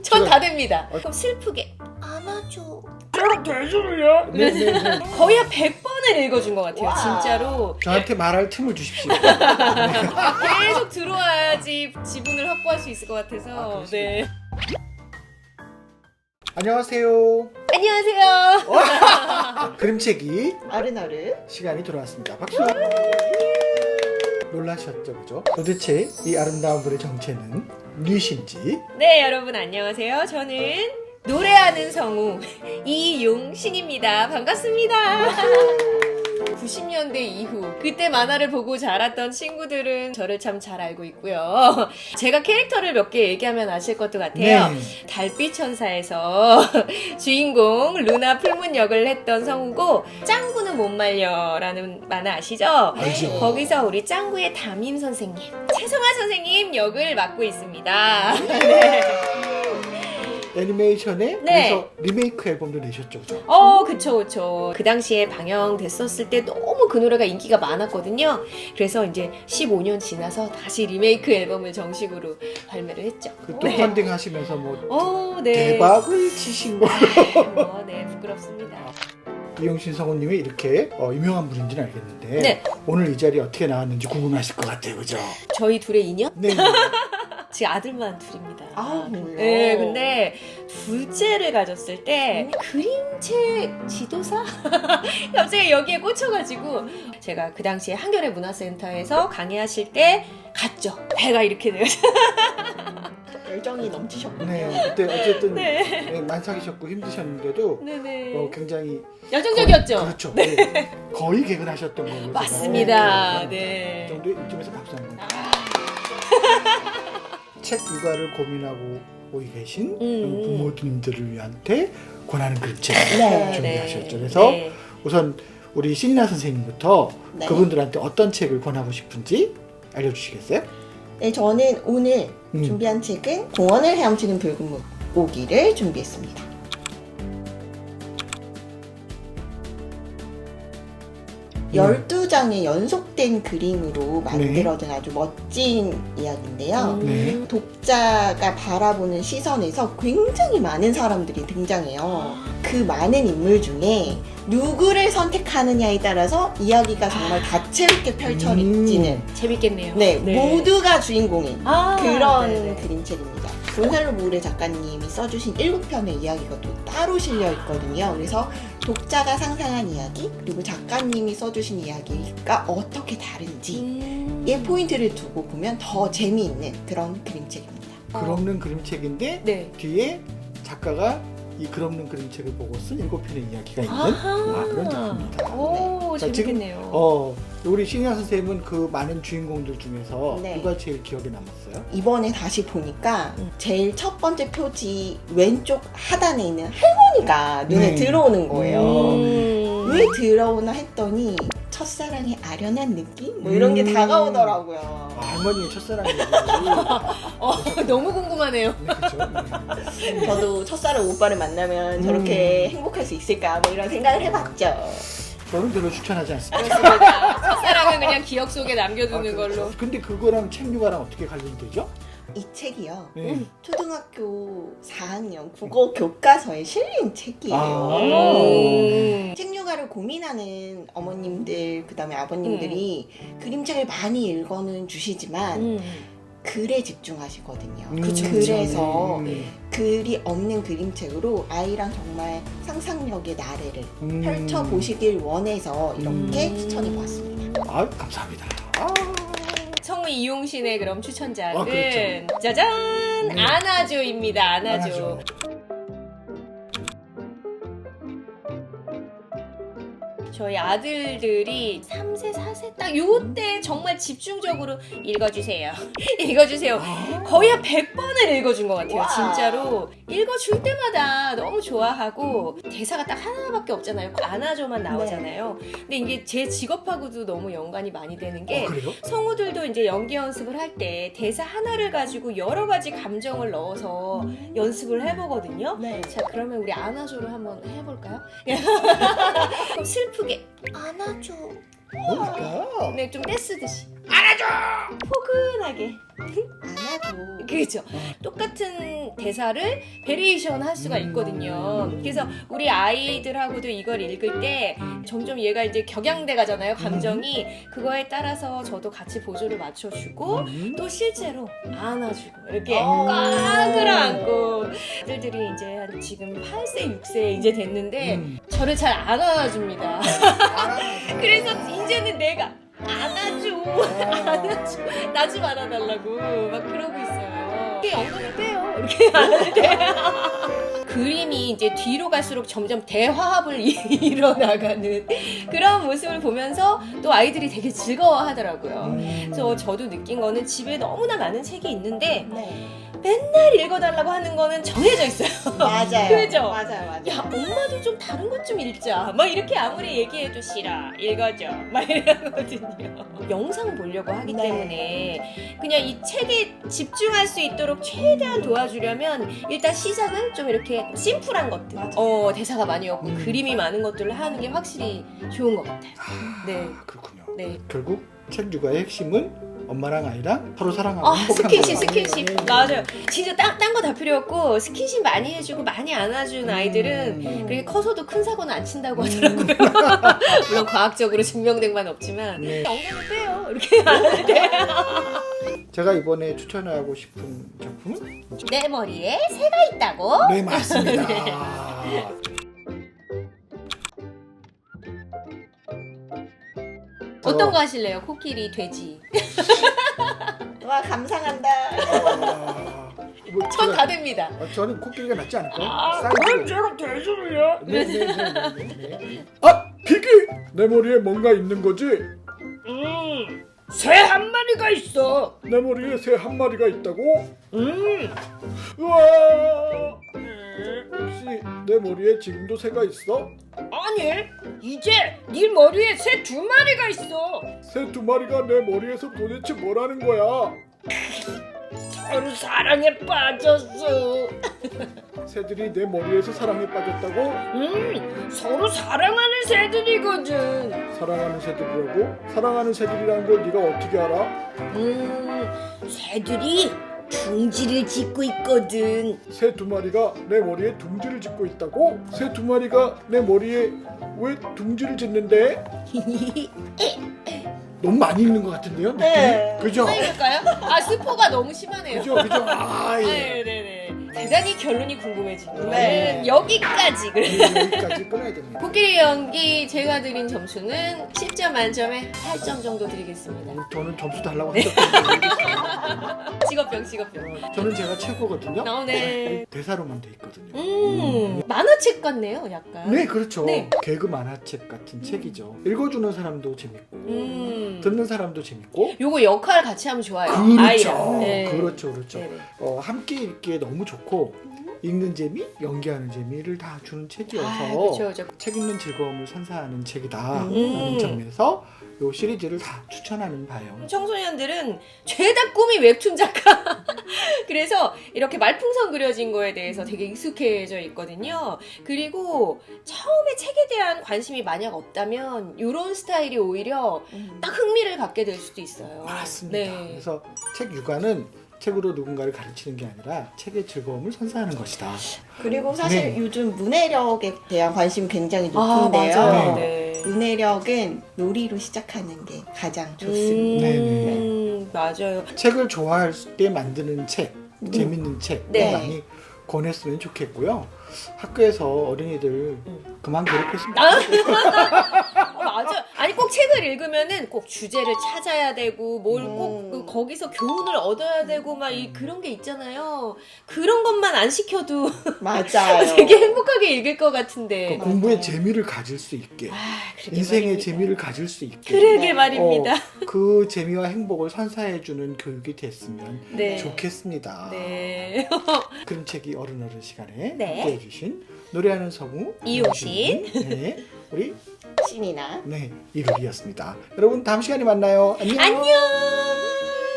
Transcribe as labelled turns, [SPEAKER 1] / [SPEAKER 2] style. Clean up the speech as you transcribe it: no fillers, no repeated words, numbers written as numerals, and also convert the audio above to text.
[SPEAKER 1] 전 다 됩니다. 그럼 슬프게 안아줘.
[SPEAKER 2] 저랑 대주를요? 네네네.
[SPEAKER 1] 거의 한 100번을 읽어준 것 같아요.
[SPEAKER 3] 와.
[SPEAKER 1] 진짜로.
[SPEAKER 2] 저한테 말할 틈을 주십시오.
[SPEAKER 1] 계속 들어와야지 지분을 확보할 수 있을 것 같아서. 네.
[SPEAKER 2] 안녕하세요.
[SPEAKER 1] 안녕하세요.
[SPEAKER 2] 그림책이
[SPEAKER 3] 아르나르.
[SPEAKER 2] 시간이 돌아왔습니다. 박수. 놀라셨죠, 그죠? 도대체 이 아름다운 분의 정체는 무엇인지.
[SPEAKER 1] 네, 여러분 안녕하세요. 저는 노래하는 성우 이용신입니다. 반갑습니다. 90년대 이후 그때 만화를 보고 자랐던 친구들은 저를 참 잘 알고 있고요. 제가 캐릭터를 몇 개 얘기하면 아실 것도 같아요.
[SPEAKER 2] 네.
[SPEAKER 1] 달빛 천사에서 주인공 루나 풀문 역을 했던 성우고, 짱구는 못 말려라는 만화 아시죠?
[SPEAKER 2] 알죠.
[SPEAKER 1] 거기서 우리 짱구의 담임 선생님 최성아 선생님 역을 맡고 있습니다.
[SPEAKER 2] 애니메이션에
[SPEAKER 1] 네.
[SPEAKER 2] 그래서 리메이크 앨범도 내셨죠, 그죠?
[SPEAKER 1] 그쵸. 그 당시에 방영됐었을 때 너무 그 노래가 인기가 많았거든요. 그래서 이제 15년 지나서 다시 리메이크 앨범을 정식으로 발매를 했죠.
[SPEAKER 2] 그 또 펀딩 하시면서 뭐
[SPEAKER 1] 네.
[SPEAKER 2] 대박을 치신 거.
[SPEAKER 1] 네, 부끄럽습니다.
[SPEAKER 2] 이용신 성우님이 이렇게 유명한 분인지는 알겠는데
[SPEAKER 1] 네.
[SPEAKER 2] 오늘 이 자리에 어떻게 나왔는지 궁금하실 것 같아요, 그죠?
[SPEAKER 1] 저희 둘의 인연?
[SPEAKER 2] 네.
[SPEAKER 1] 제 아들만 둘입니다.
[SPEAKER 3] 그래요?
[SPEAKER 1] 네, 근데 둘째를 가졌을 때 그림책 지도사? 갑자기 여기에 꽂혀가지고 제가 그 당시에 한겨레 문화센터에서 강의하실 때 갔죠. 배가 이렇게 돼요.
[SPEAKER 3] 열정이 넘치셨군요.
[SPEAKER 2] 네, 그때 어쨌든
[SPEAKER 1] 네.
[SPEAKER 2] 네, 만삭이셨고 힘드셨는데도
[SPEAKER 1] 네네.
[SPEAKER 2] 굉장히
[SPEAKER 1] 열정적이었죠?
[SPEAKER 2] 그렇죠. 네. 거의 개근하셨던 걸로 제가
[SPEAKER 1] 맞습니다.
[SPEAKER 2] 그
[SPEAKER 1] 네.
[SPEAKER 2] 정도 이쯤에서 박수 한번. 책 육아를 고민하고 오고 계신 부모님들을 위한테 권하는 그림책
[SPEAKER 3] 네,
[SPEAKER 2] 준비하셨죠. 그래서
[SPEAKER 1] 네.
[SPEAKER 2] 우선 우리 신이나 선생님부터
[SPEAKER 3] 네.
[SPEAKER 2] 그분들한테 어떤 책을 권하고 싶은지 알려주시겠어요?
[SPEAKER 3] 네, 저는 오늘
[SPEAKER 2] 음.
[SPEAKER 3] 준비한 책은 공원을 헤엄치는 붉은 물고기를 준비했습니다.
[SPEAKER 2] 음.
[SPEAKER 3] 12장의 연속된 그림으로 만들어진 아주 멋진 이야기인데요.
[SPEAKER 2] 네.
[SPEAKER 3] 독자가 바라보는 시선에서 굉장히 많은 사람들이 등장해요. 그 많은 인물 중에 누구를 선택하느냐에 따라서 이야기가 정말 다채롭게 펼쳐지는
[SPEAKER 1] 재밌겠네요.
[SPEAKER 3] 네, 모두가 주인공인 그런
[SPEAKER 1] 네네.
[SPEAKER 3] 그림책입니다. 곤살로 무레 작가님이 써주신 7편의 이야기가 또 따로 실려 있거든요. 그래서 독자가 상상한 이야기 그리고 작가님이 써주신 이야기가 어떻게 다른지에 포인트를 두고 보면 더 재미있는 그런 그림책입니다.
[SPEAKER 2] 글없는 그림책인데
[SPEAKER 1] 네.
[SPEAKER 2] 뒤에 작가가 이 글없는 그림책을 보고 쓴 7편의 이야기가 있는
[SPEAKER 1] 아하.
[SPEAKER 2] 그런 작품입니다.
[SPEAKER 1] 오,
[SPEAKER 2] 자,
[SPEAKER 1] 재밌겠네요.
[SPEAKER 2] 우리 신이나 선생님은 그 많은 주인공들 중에서
[SPEAKER 3] 네.
[SPEAKER 2] 누가 제일 기억에 남았어요?
[SPEAKER 3] 이번에 다시 보니까 제일 첫 번째 표지 왼쪽 하단에 있는 할머니가 눈에
[SPEAKER 2] 네.
[SPEAKER 3] 들어오는 거예요. 왜
[SPEAKER 1] 음.
[SPEAKER 3] 들어오나 했더니 첫사랑의 아련한 느낌? 뭐 이런 게 다가오더라고요.
[SPEAKER 2] 할머니의 첫사랑이지.
[SPEAKER 1] 너무 궁금하네요.
[SPEAKER 2] 네, 그렇죠. 네.
[SPEAKER 3] 저도 첫사랑 오빠를 만나면 저렇게 행복할 수 있을까 뭐 이런 생각을 해봤죠.
[SPEAKER 2] 저는 별로 추천하지 않습니다.
[SPEAKER 1] 그렇습니다. 첫사랑은 그냥 기억 속에 남겨두는
[SPEAKER 2] 그렇죠.
[SPEAKER 1] 걸로.
[SPEAKER 2] 근데 그거랑 책 육아랑 어떻게 관련이 되죠?
[SPEAKER 3] 이 책이요.
[SPEAKER 2] 네.
[SPEAKER 3] 초등학교 4학년 국어 교과서에 실린 책이에요.
[SPEAKER 2] 아.
[SPEAKER 3] 책 육아를 고민하는 어머님들 그다음에 아버님들이 그림책을 많이 읽어는 주시지만 글에 집중하시거든요.
[SPEAKER 1] 그쵸,
[SPEAKER 3] 그래서
[SPEAKER 2] 네.
[SPEAKER 3] 글이 없는 그림책으로 아이랑 정말 상상력의 나래를 펼쳐보시길 원해서 이렇게 추천해보았습니다.
[SPEAKER 2] 아, 감사합니다.
[SPEAKER 1] 성우 이용신의 그럼 추천작은
[SPEAKER 2] 그렇죠.
[SPEAKER 1] 짜잔!
[SPEAKER 2] 네.
[SPEAKER 1] 안아줘입니다. 안아줘.
[SPEAKER 2] 안아줘.
[SPEAKER 1] 저희 아들들이 3세, 4세 딱 요때 정말 집중적으로 읽어주세요. 읽어주세요. 거의 한 100번을 읽어준 것 같아요.
[SPEAKER 3] 와.
[SPEAKER 1] 진짜로. 읽어줄 때마다 너무 좋아하고 대사가 딱 하나밖에 없잖아요. 안아줘만 나오잖아요. 근데 이게 제 직업하고도 너무 연관이 많이 되는 게
[SPEAKER 2] 그래요?
[SPEAKER 1] 성우들도 이제 연기 연습을 할 때 대사 하나를 가지고 여러 가지 감정을 넣어서 연습을 해보거든요.
[SPEAKER 3] 네.
[SPEAKER 1] 자, 그러면 우리 안아줘를 한번 해볼까요? 그럼 슬프게 안아줘.
[SPEAKER 2] 뭘까?
[SPEAKER 1] 네, 좀 떼쓰듯이 안아줘! 포근하게.
[SPEAKER 3] 안아줘.
[SPEAKER 1] 그렇죠. 똑같은 대사를 베리에이션 할 수가 있거든요. 그래서 우리 아이들하고도 이걸 읽을 때 점점 얘가 이제 격양돼 가잖아요. 감정이. 그거에 따라서 저도 같이 보조를 맞춰주고 또 실제로 안아주고 이렇게 꽉 끌어안고 아들들이 이제 한 지금 8세, 6세 이제 됐는데 저를 잘 안 안아줍니다. 그래서 이제는 내가 안아줘. 나 좀 안아달라고 막 그러고 있어요. 이렇게 엉덩이 떼요. 이렇게 안을 때. 그림이 이제 뒤로 갈수록 점점 대화합을 이뤄나가는 그런 모습을 보면서 또 아이들이 되게 즐거워하더라고요. 그래서 저도 느낀 거는 집에 너무나 많은 책이 있는데
[SPEAKER 3] 네.
[SPEAKER 1] 맨날 읽어달라고 하는 거는 정해져 있어요.
[SPEAKER 3] 맞아요.
[SPEAKER 1] 그죠?
[SPEAKER 3] 맞아요.
[SPEAKER 1] 야, 엄마도 좀 다른 것 좀 읽자. 막 이렇게 아무리 얘기해도 싫어. 읽어줘. 막 이러거든요. 영상 보려고 하기
[SPEAKER 3] 네.
[SPEAKER 1] 때문에 그냥 이 책에 집중할 수 있도록 최대한 도와주려면 일단 시작은 좀 이렇게 심플한 것들. 대사가 많이 없고 그림이 많은 것들을 하는 게 확실히 좋은 것 같아요. 네.
[SPEAKER 2] 그렇군요.
[SPEAKER 1] 네.
[SPEAKER 2] 결국 책 육아의 핵심은 엄마랑 아이랑 서로 사랑하고
[SPEAKER 1] 아,
[SPEAKER 2] 행복한
[SPEAKER 1] 스킨십.
[SPEAKER 2] 거야.
[SPEAKER 1] 맞아요. 진짜 딴 거 다 필요 없고 스킨십 많이 해주고 많이 안아준 아이들은 그렇게 커서도 큰 사고는 안 친다고 하더라고요. 물론 과학적으로 증명된 건 없지만
[SPEAKER 2] 네.
[SPEAKER 1] 엉덩이 빼요. 이렇게 안을 때.
[SPEAKER 2] 제가 이번에 추천하고 싶은 작품은
[SPEAKER 1] 내 머리에 새가 있다고?
[SPEAKER 2] 네, 맞습니다.
[SPEAKER 1] 어떤 거 하실래요? 코끼리, 돼지.
[SPEAKER 3] 와 감상한다.
[SPEAKER 2] 뭐
[SPEAKER 1] 전
[SPEAKER 2] 제가-
[SPEAKER 1] 다 됩니다.
[SPEAKER 2] 저는 코끼리가 낫지 않을까요?
[SPEAKER 1] 그럼
[SPEAKER 2] 제가 돼지를요? 네. 아! 피기! 내 머리에 뭔가 있는 거지?
[SPEAKER 4] 새 한 마리가 있어.
[SPEAKER 2] 내 머리에 새 한 마리가 있다고? 우와! 혹시 내 머리에 지금도 새가 있어?
[SPEAKER 4] 아니, 이제 네 머리에 새 두 마리가 있어.
[SPEAKER 2] 새 두 마리가 내 머리에서 도대체 뭐라는 거야?
[SPEAKER 4] 서로 사랑에 빠졌어.
[SPEAKER 2] 새들이 내 머리에서 사랑에 빠졌다고?
[SPEAKER 4] 서로 사랑하는 새들이거든.
[SPEAKER 2] 사랑하는 새들이라고? 사랑하는 새들이라는 걸 네가 어떻게 알아?
[SPEAKER 4] 새들이 둥지를 짓고 있거든.
[SPEAKER 2] 새 두 마리가 내 머리에 둥지를 짓고 있다고? 새 두 마리가 내 머리에 왜 둥지를 짓는데? 너무 많이 읽는 것 같은데요? 느낌이?
[SPEAKER 3] 네.
[SPEAKER 2] 그죠?
[SPEAKER 1] 해볼까요? 스포가 너무 심하네요.
[SPEAKER 2] 그죠? 아, 예.
[SPEAKER 1] 네네네. 대단히 결론이 궁금해지는
[SPEAKER 3] 네.
[SPEAKER 1] 여기까지. 그래.
[SPEAKER 2] 여기까지 끊어야 됩니다.
[SPEAKER 1] 코끼리 연기 제가 드린 점수는 10점 만점에 8점 정도 드리겠습니다.
[SPEAKER 2] 저는 점수 달라고 하셨거든요.
[SPEAKER 1] 직업병.
[SPEAKER 2] 저는 제가 최고거든요.
[SPEAKER 1] 네.
[SPEAKER 2] 대사로만 돼 있거든요.
[SPEAKER 1] 만화책 같네요, 약간.
[SPEAKER 2] 네, 그렇죠.
[SPEAKER 1] 네.
[SPEAKER 2] 개그 만화책 같은 책이죠. 읽어주는 사람도 재밌고,
[SPEAKER 1] 음.
[SPEAKER 2] 듣는 사람도 재밌고.
[SPEAKER 1] 요거 역할 같이 하면 좋아요.
[SPEAKER 2] 그렇죠.
[SPEAKER 1] 아이랑. 네.
[SPEAKER 2] 그렇죠.
[SPEAKER 1] 네네.
[SPEAKER 2] 함께 읽기에 너무 좋고, 읽는 재미, 연기하는 재미를 다 주는 책이어서
[SPEAKER 1] 그렇죠.
[SPEAKER 2] 책 읽는 즐거움을 선사하는 책이다
[SPEAKER 1] 음.
[SPEAKER 2] 라는 점에서 이 시리즈를 다 추천하는 바예요.
[SPEAKER 1] 청소년들은 죄다 꿈이 웹툰 작가. 그래서 이렇게 말풍선 그려진 거에 대해서 되게 익숙해져 있거든요. 그리고 처음에 책에 대한 관심이 만약 없다면 이런 스타일이 오히려 딱 흥미를 갖게 될 수도 있어요.
[SPEAKER 2] 맞습니다.
[SPEAKER 1] 네.
[SPEAKER 2] 그래서 책 육아는 책으로 누군가를 가르치는 게 아니라 책의 즐거움을 선사하는 것이다.
[SPEAKER 3] 그리고 사실
[SPEAKER 2] 네.
[SPEAKER 3] 요즘 문해력에 대한 관심이 굉장히
[SPEAKER 1] 아,
[SPEAKER 3] 높은데요.
[SPEAKER 1] 맞아요.
[SPEAKER 2] 네.
[SPEAKER 1] 네.
[SPEAKER 3] 문해력은 놀이로 시작하는 게 가장 좋습니다.
[SPEAKER 1] 맞아요.
[SPEAKER 2] 책을 좋아할 때 만드는 책, 재밌는 책
[SPEAKER 1] 네.
[SPEAKER 2] 많이 권했으면 좋겠고요. 학교에서 어린이들 그만 괴롭혔으면
[SPEAKER 1] 맞아. 아니 꼭 책을 읽으면은 꼭 주제를 찾아야 되고 뭘 꼭 거기서 교훈을 얻어야 되고 막 그런 게 있잖아요. 그런 것만 안 시켜도
[SPEAKER 3] 맞아요.
[SPEAKER 1] 되게 행복하게 읽을 것 같은데.
[SPEAKER 2] 공부에 재미를 가질 수 있게,
[SPEAKER 1] 그러게
[SPEAKER 2] 인생의
[SPEAKER 1] 말입니다.
[SPEAKER 2] 재미를 가질 수 있게,
[SPEAKER 1] 그러게 말입니다.
[SPEAKER 2] 그 재미와 행복을 선사해주는 교육이 됐으면
[SPEAKER 1] 네.
[SPEAKER 2] 좋겠습니다.
[SPEAKER 1] 네.
[SPEAKER 2] 그런 책이 어른 시간에
[SPEAKER 1] 네.
[SPEAKER 2] 함께해주신 노래하는 성우
[SPEAKER 1] 이용신.
[SPEAKER 2] 네, 우리
[SPEAKER 3] 신이나
[SPEAKER 2] 이루리였습니다. 여러분 다음 시간에 만나요. 안녕.
[SPEAKER 1] 안녕.